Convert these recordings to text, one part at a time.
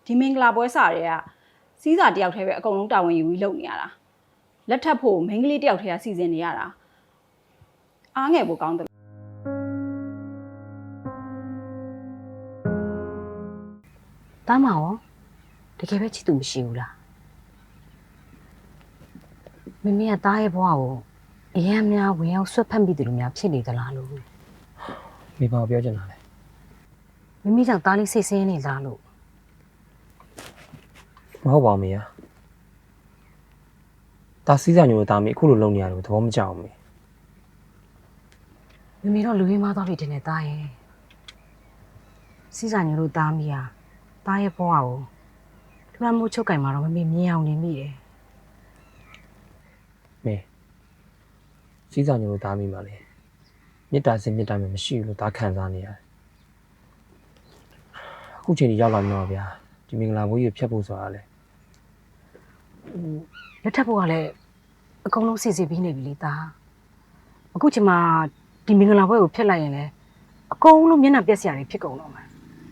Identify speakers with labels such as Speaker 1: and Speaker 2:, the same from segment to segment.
Speaker 1: ဒီမင်္ဂလာပွဲစားတွေကစီးစာတယောက်တည်းပဲအကုန်လုံးတာဝန်ယူပြီးလုပ်နေရတာလက်ထပ်ဖို့မိန်းကလေးတယောက်တည်းကစီစဉ်နေရတာအားငယ်ဖို့ကောင်းတယ်
Speaker 2: တားမရောတကယ်ပဲချစ်သူမရှိဘူးလားမမေကတားရဲ့ဘဝကိုအရင်များဝင်ရောက်ဆွတ်ဖက်မိတယ်လို့များဖြစ်နေသလားလို့
Speaker 3: မိဘပြောချင်တာလေ
Speaker 2: မမေကြောင့်တားလေးစိတ်ဆင်းနေလားလို့
Speaker 3: မဟုတ်ပါဘူးမေဒါစီးစာညို့တာမိအခုလိုလုပ်နေရတယ်သဘောမကျဘူး
Speaker 2: မမေတော့လူရင်းမသွားပြီတင်နေတားရဲ့စီးစာညို့လို့တားမိရတားရဲ့ဘဝကိုလွှမ်းမိုးချုပ်ကင်မှာတော့မမေမြင်အောင်နေမိတယ်
Speaker 3: မေစီးစာညို့တာမိပါလေမေတ္တာစင်မေတ္တာမျိုးမရှိဘူးလို့ဒါခံစားနေရတယ်အခုချိန်ကြီးရောက်လာပြီတော့ဗျာဒီမင်္ဂလာပွဲကြီးဖြတ်ဖို့ဆိုတာလေ
Speaker 2: လက်ထပ်ဖို့ကလည်းအကုန်လုံးစီစီပြီးနေပြီလေတာအခုချိန်မှာဒီမင်္ဂလာပွဲကိုဖျက်လိုက်ရင်လည်းအကုန်လုံးမျက်နှာပြက်စရာတွေဖြစ်ကုန်တော့မှာ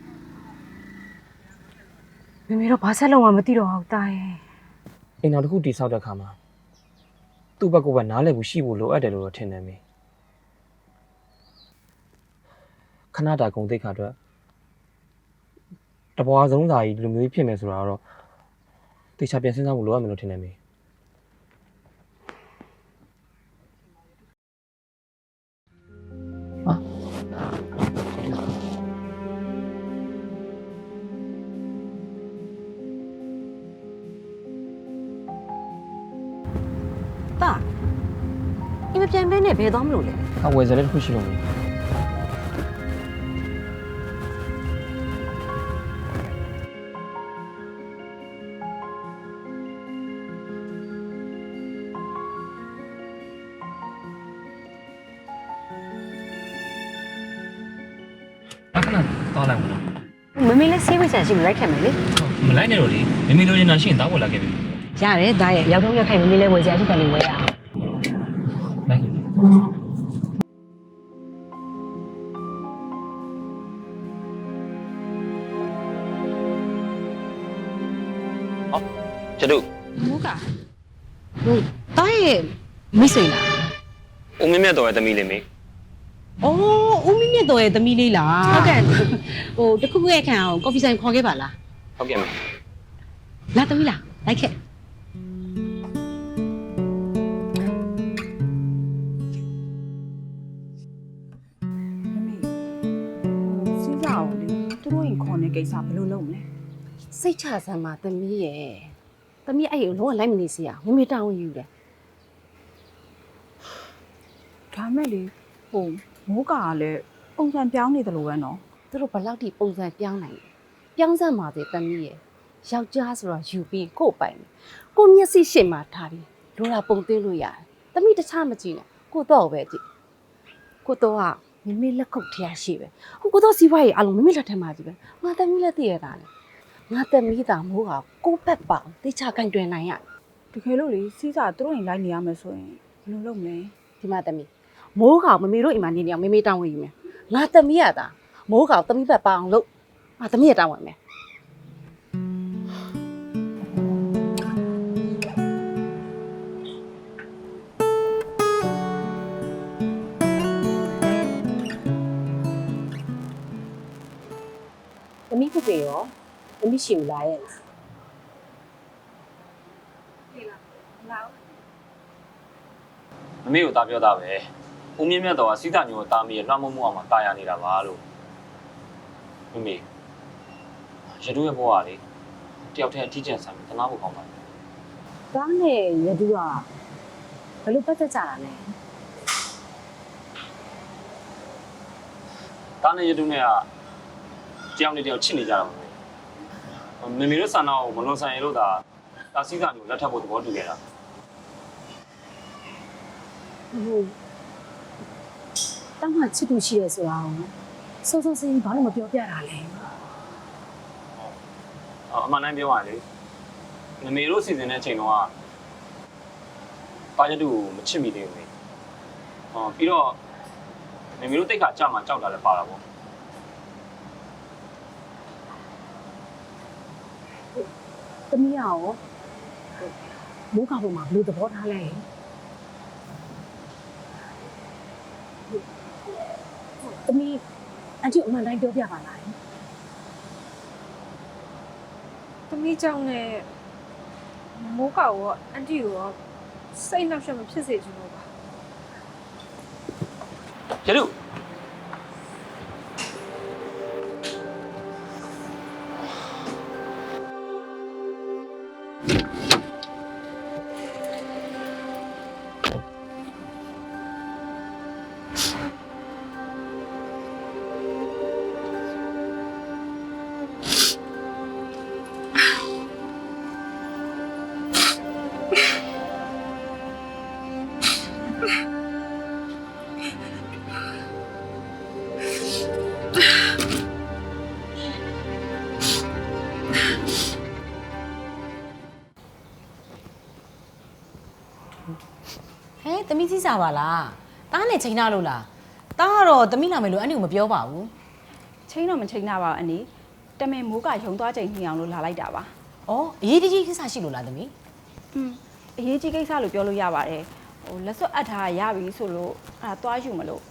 Speaker 2: မမေတော့ဘာဆက်လုံးမှမသိတော့ဘူးတာရဲ့
Speaker 3: အိမ်တော်တစ်ခုတိဆောက်တဲ့ခါမှာသူ့ဘက်ကပဲနားလည်ဖို့ရှိဖို့လိုအပ်တယ်လို့တော့ထင်တယ်မေခဏတာဂုံတိတ်ခါအတွက်တပွားဆုံးစာကြီးဒီလိုမျိုးဖြစ်မယ်ဆိုတာတော့တေချာပြန်စဉ်းစားဖို့လိုအပ်မယ်လို့ထင်တယ်မေ
Speaker 2: တာအင်းမပြန်မဲနဲ့ဘယ်သွားမလို့လဲ
Speaker 3: အဝယ်စလေးတစ်ခုရှိလို့မေသွားလိုက်မလား
Speaker 2: မမေလည်းဆေးဝိတ်ဆန်ရှိမလိုက်ခဲ့မယ်လေ
Speaker 4: မလိုက်နဲ့တော့လေမမေလိုချင်တာရှိရင်တောက်ပေါ်လာခဲ့ပြီ
Speaker 2: ရတယ်ဒါရဲ့ရောက်တော့ရက်ခိုင်မမေလည်းဝယ်ကြရှိတယ်လို့ဝယ်ရအောင်
Speaker 4: လိုက်ကျတို့
Speaker 2: မူးကဟုတ်တာရဲ့မိတ်ဆွေလား
Speaker 4: ဦးမင်းမြတ်တော်ရဲ့သမီးလေးမေ
Speaker 2: ဩဦးမင်းမြတ်တော်ရဲ့သမီးလေးလားဟုတ်ကဲ့ဟိုတခုခုရဲ့ခံအောင်ကော်ဖီဆိုင်ခေါ်ခဲ့ပါလား
Speaker 4: ဟုတ်ကဲ့မေ
Speaker 2: လာသမီးလားလိုက်ခဲ့
Speaker 1: စီးစာကိုလေသူတို့ရင်ခေါ်နေကိစ္စဘယ်လိုလုပ်မလဲ
Speaker 2: စိတ်ချစမ်းပါသမီးရဲ့သမီးအဲ့ကိုလုံးဝလိုက်မနေစီရမမေတောင်းယူတယ်
Speaker 1: ဒါမဲ့လေဟိုမိုးကာကလည်းပုံစံပြောင်းနေတယ်လို့ပဲနော်
Speaker 2: သူတို့ဘယ်လောက်ထိပုံစံပြောင်းနိုင်လဲပြောင်းစမ်းပါသေးသမီးရဲ့ယောက်ျားဆိုတော့ယူပြီးကို့ပိုင်ကိုမျက်စိရှေ့မှာထားပြီးလိုတာပုံသွင်းလို့ရတယ်သမီးတခြားမကြည့်နဲ့ကိုတော့ပဲကြည့်ကိုတော့ကမမေလက်ခုပ်ထရရှိပဲဟိုကိုတော့စီးပွားရေးအလုံးမမေလက်ထက်မှာကြည့်ပဲငါသမီးလက်တည့်ရတာလေငါသမီးသားမိုးကကို့ဘက်ပေါင်တေချာကန်တွင်နိုင်ရ
Speaker 1: တကယ်လို့လေစီးစာသူတို့ရင်လိုက်နေရမယ်ဆိုရင်ဘယ်လိုလုပ်မလဲ
Speaker 2: ဒီမှာသမီးမိုးကောင်မမေတို့အိမ်မှာနေနေအောင်မမေတောင်းဝင်ယူမယ်ငါသမီးရတာမိုးကောင်သမီးဘက်ပေါအောင်လို့ငါသမီးရတောင်းဝင်မယ်သမီးဖြစ်ပေရောသမီးရှိမလားရဲ့
Speaker 4: မမေကိုတာပြောတာပဲဦးမင်းမြတ်တော်ကစီးတာညို့တာမီရဲ့လွှမ်းမိုးမှုအောင်မှာတာယာနေတာပါလို့မမေရတုရဲ့ဘဝကလေတယောက်တည်းအထီးကျန်ဆန်ပြီးတနာဖို့ကောင်းပါလား
Speaker 2: ဒါနဲ့ရတုကဘယ်လိုပတ်သက်ကြတာလဲ
Speaker 4: တာနဲ့ရတုနဲ့ကတယောက်နဲ့တယောက်ချစ်နေကြတာပါမမေတို့ဆန္ဒကိုမလွန်ဆန်ရလို့ဒါစီးတာညို့လက်ထပ်ဖို့သဘောတူခဲ့တာ
Speaker 2: ဟုတ်တောင်းမှချစ်သူရှိရဲဆိုတာစိုးစိုးစင်းဘာလို့မပြောပြတာလဲ
Speaker 4: အမှန်တမ်းပြောရလေမမေတို့စီစဉ်တဲ့အချိန်တော့တာရတုကိုမချစ်မိသေးဘူးလေပြီးတော့မမေတို့တိတ်ခါကြာမှကြောက်တာလည်းပါတာပေါ့
Speaker 2: သမီးရောမိုးကပေါ်မှာဘယ်လိုသဘောထားလဲသမီးအန်တီအမှန်တိုင်းပြောပြပါလား
Speaker 5: သမီးကြောင့်နဲ့မိုးကောက်ရောအန်တီရောစိတ်နှောက်ယှက်မဖြစ်စေချင်လို့ပါ
Speaker 4: ရတု
Speaker 6: ဟဲ့သမီးကြီးစားပါလားတားနဲ့ချိန်ထားလို့လားတားကတော့သမီးနာမယ်လို့အဲ့ဒီကိုမပြောပါဘူး
Speaker 1: ချိန်တော့မချိန်တာပါအနီတမင်မိုးကရုံသွားချိန်ညှိအောင်လို့လာလိုက်တာပါ
Speaker 6: ဩအရေးတကြီးကိစ္စရှိလို့လားသမီး
Speaker 1: အရေးကြီးကိစ္စလို့ပြောလို့ရပါတယ်လက်စွပ်အပ်ထားရပြီဆိုလို့အဲ့ဒါသွားယူမလို့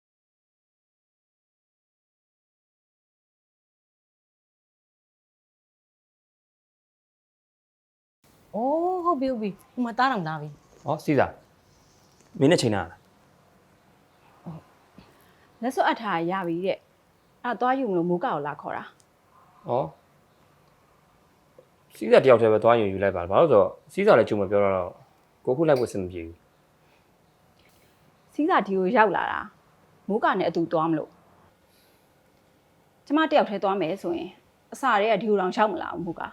Speaker 6: ဩဟုတ်ပြီဟိုမှာတားတောင်တားပြီ
Speaker 4: ဟောစီးစာမင်းနဲ့ချိန်တာလား
Speaker 1: လက်စွပ်အပ်ထားရပြီတဲ့အဲ့ဒါသွားယူမလို့မိုးကကိုလာခေါ်တာ
Speaker 4: ဟောစီးစာတယောက်တည်းပဲသွားယူလိုက်ပါဘာလို့ဆိုတော့စီးစာလည်းကြုံမပြောတော့ကိုခုလိုက်ဖို့စင်မပြေဘူး
Speaker 1: စီးစာဒီကိုရောက်လာတာမိုးကနဲ့အတူသွားမလို့ကျမတယောက်တည်းသွားမယ်ဆိုရင်အစာတွေကဒီကိုတောင်ရောက်မလာဘူးမိုးက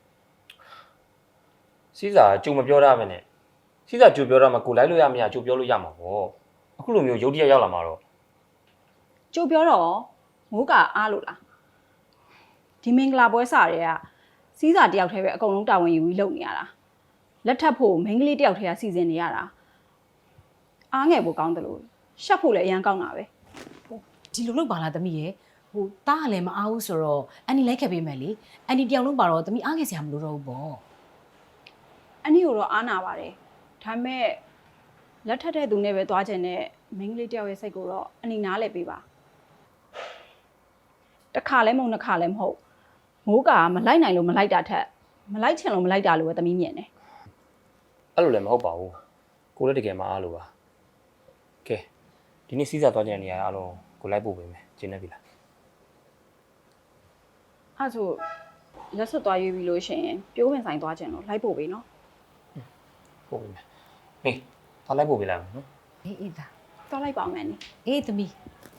Speaker 4: စီးစာကြုံမပြောရမယ်နဲ့စီးစာကြိုပြောတော့မှကိုလိုက်လို့ရမရကြိုပြောလို့ရမှာပေါ့အခုလိုမျိုးရုပ်တရက်ရောက်လာမှာတော့
Speaker 1: ကြိုပြောတော့မိုးကအားလို့လားဒီမင်္ဂလာပွဲစားတွေကစီးစာတယောက်တည်းပဲအကုန်လုံးတာဝန်ယူပြီးလုပ်နေရတာလက်ထပ်ဖို့မိန်းကလေးတယောက်တည်းကစီစဉ်နေရတာအားငယ်ဖို့ကောင်းတယ်လို့ရှက်ဖို့လည်းအရန်ကောင်းတာပဲ
Speaker 6: ဒီလိုလုပ်ပါလားသမီးရဲ့ဟိုတားကလည်းမအားဘူးဆိုတော့အန်ဒီလိုက်ခဲ့ပေးမယ်လေအန်ဒီတယောက်လုံးပါတော့သမီးအားခဲ့စရာမလိုတော့ဘူးပေါ့
Speaker 1: အနည်းကိုတော့အားနာပါတယ်ဒါပေမဲ့လက်ထပ်တဲ့သူနဲ့ပဲသွားချင်တဲ့မိန်းကလေးတယောက်ရဲ့စိတ်ကိုတော့အနီနားလဲပေးပါတစ်ခါလဲမဟုတ်နှစ်ခါလဲမဟုတ်မိုးကမလိုက်နိုင်လို့မလိုက်တာထက်မလိုက်ချင်လို့မလိုက်တာလို့ပဲသမီးမြင်တယ်
Speaker 4: အဲ့လိုလည်းမဟုတ်ပါဘူးကိုလည်းတကယ်မအားလို့ပါကဲဒီနေ့စီးစာသွားကြတဲ့နေရာအားလုံးကိုလိုက်ပို့ပေးမယ်ကျင်းနေပြီလား
Speaker 1: အဲ့ဆိုလက်စွပ်သွားရွေးပြီးလို့ရှိရင်ပြိုးဝင်ဆိုင်သွားချင်လို့လိုက်ပို့ပေးနော်
Speaker 4: ပို့ပေးမယ်ဟေးသွားလိုက်ပို့ပေးလိုက်မယ်နော်
Speaker 6: အေးဒါ
Speaker 1: သွားလိုက်ပါမယ်နိ
Speaker 6: အေးသမီး